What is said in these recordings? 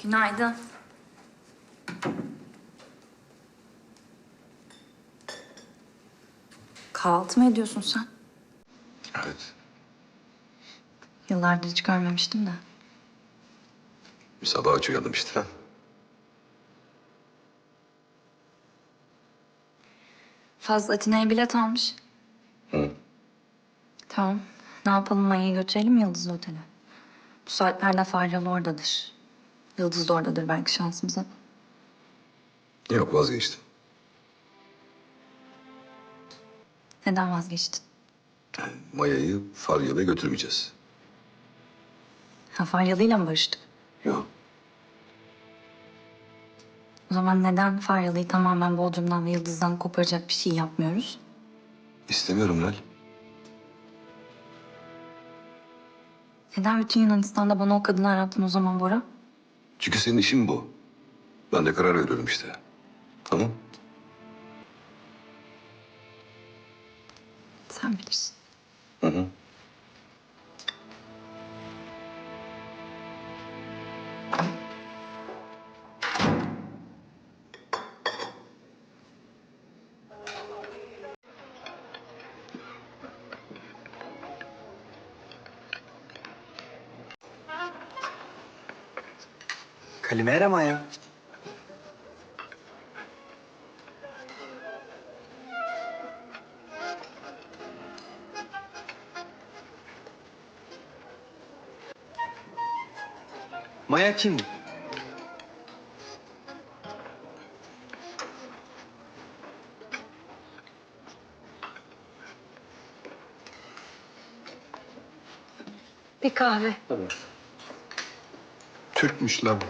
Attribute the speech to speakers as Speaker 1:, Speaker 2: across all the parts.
Speaker 1: Günaydın. Kahvaltı mı ediyorsun sen?
Speaker 2: Evet.
Speaker 1: Yıllardır hiç görmemiştim de.
Speaker 2: Bir sabah aç uyandım işte.
Speaker 1: Fazla Atina'ya bilet almış.
Speaker 2: Hı.
Speaker 1: Tamam. Ne yapalım, Maya'yı götürelim mi Yıldız Otel'e? Bu saatlerde Faryalı oradadır. Yıldız da oradadır belki şansımıza.
Speaker 2: Yok, vazgeçtim.
Speaker 1: Neden vazgeçtin?
Speaker 2: Maya'yı Faryalı'ya götürmeyeceğiz.
Speaker 1: Ha, Faryalı'yla mı barıştık?
Speaker 2: Yok.
Speaker 1: O zaman neden Faryalı'yı tamamen Bodrum'dan ve Yıldız'dan koparacak bir şey yapmıyoruz?
Speaker 2: İstemiyorum Lal.
Speaker 1: Neden bütün Yunanistan'da bana o kadını arattın o zaman Bora?
Speaker 2: Çünkü senin işin bu. Ben de karar veriyorum işte. Tamam.
Speaker 1: Sen bilirsin.
Speaker 2: Hı hı.
Speaker 3: Καλημέρα, Μάια. Maya kim?
Speaker 1: Bir kahve.
Speaker 3: Türkmüş la bu.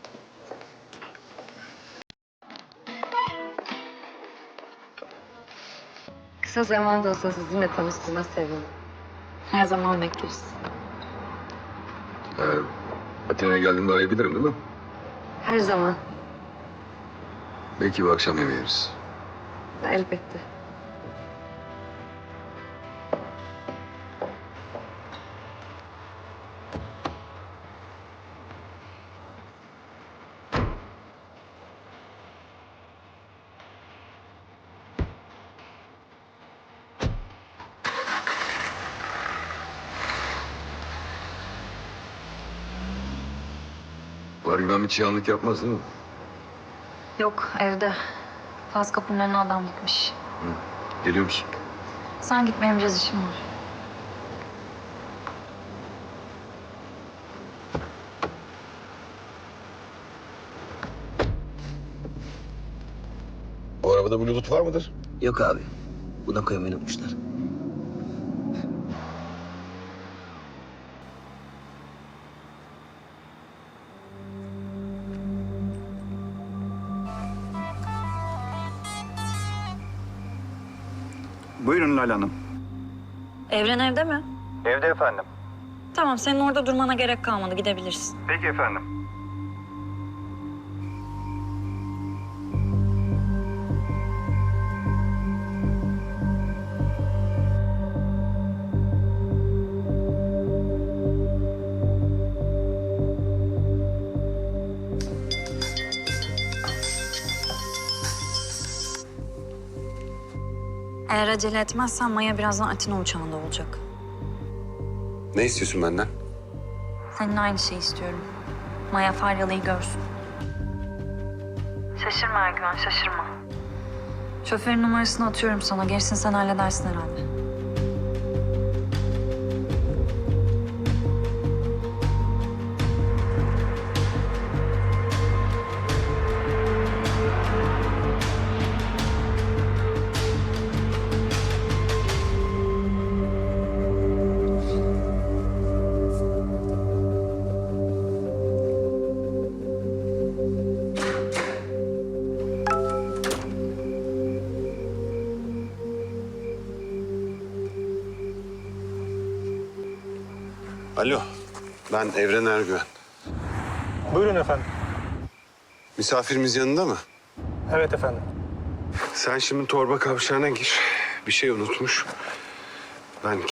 Speaker 1: Kısa zamanda olsa sizinle tanıştığıma sevindim. Her zaman bekleriz.
Speaker 2: Atina'ya geldiğimde arayabilirim değil mi?
Speaker 1: Her zaman.
Speaker 2: Belki bir akşam yemeği yeriz.
Speaker 1: Elbette.
Speaker 2: Var Yunan bir çiğanlık yapmaz değil mi?
Speaker 1: Yok, evde. Faz kapının önüne adam gitmiş.
Speaker 2: Geliyor musun?
Speaker 1: Sen git, benim biraz işim var.
Speaker 2: Bu arabada Bluetooth var mıdır?
Speaker 3: Yok abi. Buna koymayı unutmuşlar.
Speaker 4: Buyurun Lal Hanım.
Speaker 1: Evren evde mi?
Speaker 4: Evde efendim.
Speaker 1: Tamam, senin orada durmana gerek kalmadı. Gidebilirsin.
Speaker 4: Peki efendim.
Speaker 1: Eğer acele etmezsen Maya birazdan Atina uçağında olacak.
Speaker 2: Ne istiyorsun benden?
Speaker 1: Senin aynı şeyi istiyorum. Maya Faryalı'yı görsün. Şaşırma Ergüven, şaşırma. Şoförün numarasını atıyorum sana. Gerisini sen halledersin herhalde.
Speaker 2: Alo, ben Evren Ergüven.
Speaker 5: Buyurun efendim.
Speaker 2: Misafirimiz yanında mı?
Speaker 5: Evet efendim.
Speaker 2: Sen şimdi torba kavşağına gir. Bir şey unutmuş. Ben